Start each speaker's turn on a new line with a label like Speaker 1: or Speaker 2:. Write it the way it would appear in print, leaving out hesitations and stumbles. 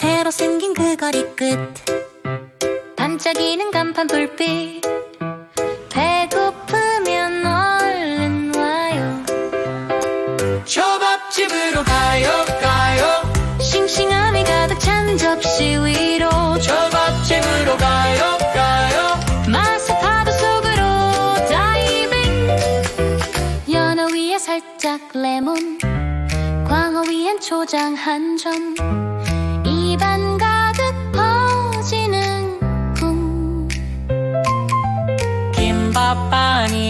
Speaker 1: 새로 생긴 그 거리 끝 반짝이는 간판 불빛 배고프면 얼른 와요.
Speaker 2: 초밥집으로 가요 가요.
Speaker 1: 싱싱함이 가득 찬 접시 위로
Speaker 2: 초밥집으로 가요 가요.
Speaker 1: 맛의 파도 속으로 다이빙. 연어 위에 살짝 레몬 광어 위엔 초장 한 점 입안 가득 퍼지는 꿈.
Speaker 2: 김밥 아니